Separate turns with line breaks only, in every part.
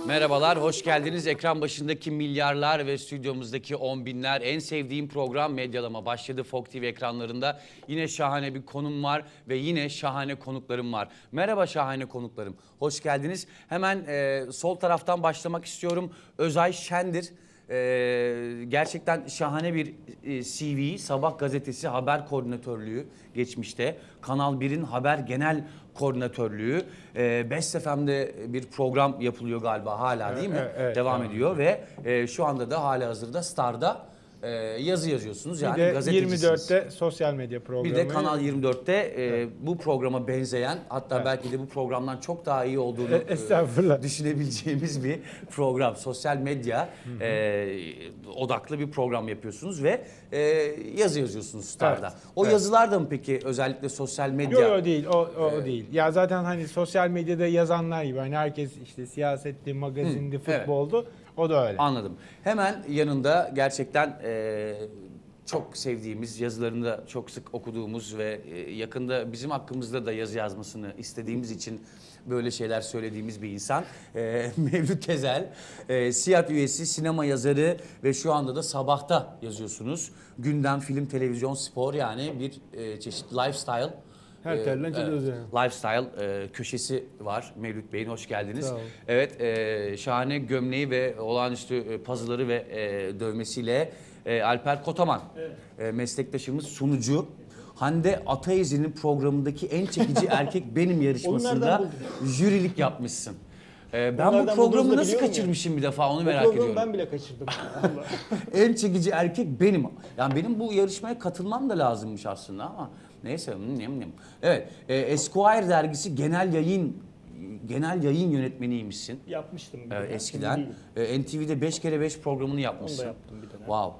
Merhabalar, hoş geldiniz. Ekran başındaki milyarlar ve stüdyomuzdaki on binler. En sevdiğim program Medyalama başladı Fok TV ekranlarında. Yine şahane bir konum var ve yine şahane konuklarım var. Merhaba şahane konuklarım, hoş geldiniz. Hemen sol taraftan başlamak istiyorum. Özay Şendir. Gerçekten şahane bir CV, Sabah gazetesi haber koordinatörlüğü geçmişte. Kanal 1'in haber genel koordinatörlüğü. Best FM'de bir program yapılıyor galiba hala değil mi?
Evet,
devam ediyor ve şu anda da halihazırda Star'da yazı yazıyorsunuz. Yani
bir de
gazetecisiniz.
24'te sosyal medya programı.
Bir de Kanal 24'te bu programa benzeyen, hatta belki de bu programdan çok daha iyi olduğunu düşünebileceğimiz bir program. Sosyal medya odaklı bir program yapıyorsunuz ve yazı yazıyorsunuz Star'da.
Evet,
O yazılar da mı peki özellikle sosyal medya?
Yok değil, o değil. Ya zaten hani sosyal medyada yazanlar gibi hani herkes işte siyasetti, magazindi, futboldu. O da öyle.
Anladım. Hemen yanında gerçekten çok sevdiğimiz, yazılarını da çok sık okuduğumuz ve yakında bizim hakkımızda da yazı yazmasını istediğimiz için böyle şeyler söylediğimiz bir insan. Mevlüt Tezel, SİAD üyesi, sinema yazarı ve şu anda da Sabah'ta yazıyorsunuz. Gündem, film, televizyon, spor, yani bir çeşit lifestyle.
Her türlü açılıyoruz yani.
Lifestyle köşesi var. Mevlüt Bey'in hoş geldiniz.
Sağ olun.
Evet, şahane gömleği ve olağanüstü pazıları ve dövmesiyle Alper Kotaman, meslektaşımız, sunucu. Hande Ataizli'nin programındaki en çekici erkek benim yarışmasında jürilik yapmışsın. Ben bu programı nasıl kaçırmışım bir defa, onu merak ediyorum.
Ben bile kaçırdım.
En çekici erkek benim. Yani benim bu yarışmaya katılmam da lazımmış aslında ama neyse. Evet, Esquire dergisi genel yayın yönetmeniymişsin.
Yapmıştım.
Eskiden. NTV'de 5 kere 5 programını yapmışsın.
Onu da yaptım bir dönem.
Wow.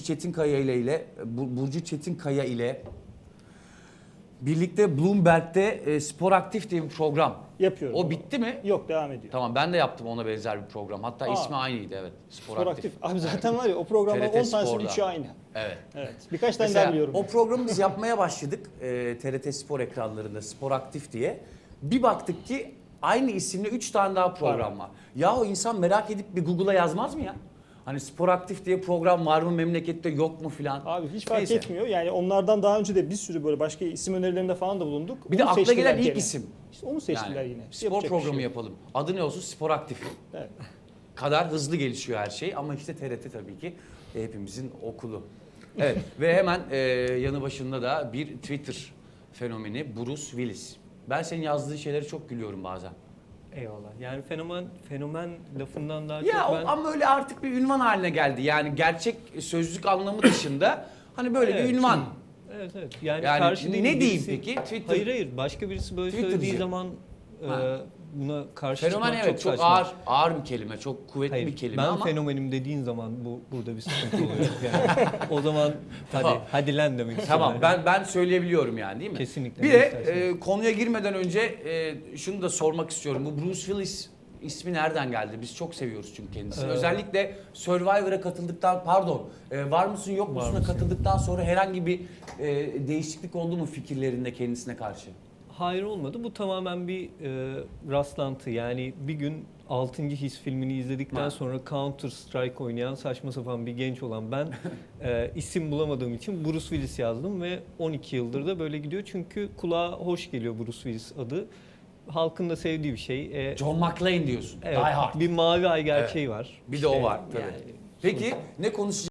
Burcu Çetinkaya ile birlikte Bloomberg'de Spor Aktif diye bir program.
Yapıyorum.
O bitti mi?
Yok, devam ediyor.
Tamam, ben de yaptım ona benzer bir program. Hatta ismi aynıydı, evet.
Spor Aktif. Abi zaten var ya, o programda
TRT
10 tanesinin
Spor'da.
3'ü aynı.
Evet.
Evet. Birkaç tane
Mesela
daha biliyorum.
o programı biz yapmaya başladık TRT Spor ekranlarında, Spor Aktif diye. Bir baktık ki aynı isimle 3 tane daha program var. Ya o insan merak edip bir Google'a yazmaz mı ya? Hani Spor Aktif diye program var mı memlekette, yok mu filan.
Abi hiç fark etmiyor. Yani onlardan daha önce de bir sürü böyle başka isim önerilerinde falan da bulunduk.
Bir de
Onu
akla
seçtiler
gelen ilk
gene.
isim.
İşte onu seçtiler
Yani
yine.
spor
Yapacak bir
programı
şey yok.
yapalım. Adı ne olsun? Spor Aktif.
Evet.
Kadar hızlı gelişiyor her şey ama işte TRT tabii ki hepimizin okulu. Evet ve hemen yanı başında da bir Twitter fenomeni Bruce Willis. Ben senin yazdığın şeyleri çok gülüyorum bazen.
Eyvallah. Yani fenomen lafından daha
Ya
çok ben...
ama öyle artık bir ünvan haline geldi. Yani gerçek sözlük anlamı dışında hani böyle bir ünvan.
Evet. Yani
Yani
değil,
ne diyeyim
birisi-
peki? Twitter.
Hayır. Başka birisi böyle
Twitter'cı.
söylediği zaman buna karşı
Fenomen
çıkmak
evet çok
saçma.
ağır bir kelime, çok kuvvetli
Hayır,
bir kelime
ben
ama
fenomenim dediğin zaman burada bir sıkıntı oluyor. Yani o zaman hadi lan demek istiyorum.
tamam, ben söyleyebiliyorum yani, değil mi?
Kesinlikle,
Bir
ne
de
istersen.
konuya girmeden önce şunu da sormak istiyorum. Bu Bruce Willis ismi nereden geldi? Biz çok seviyoruz çünkü kendisini. Özellikle Survivor'a katıldıktan, Var mısın yok musun'a katıldıktan sonra herhangi bir değişiklik oldu mu fikirlerinde kendisine karşı?
Hayır, olmadı. Bu tamamen bir rastlantı. Yani bir gün 6. His filmini izledikten sonra Counter Strike oynayan saçma sapan bir genç olan ben isim bulamadığım için Bruce Willis yazdım ve 12 yıldır da böyle gidiyor. Çünkü kulağa hoş geliyor Bruce Willis adı. Halkın da sevdiği bir şey.
John McClane diyorsun.
Evet,
Die Hard.
bir mavi ay gerçeği var.
Bir de o var tabii.
Yani,
Peki ne konuşacağız?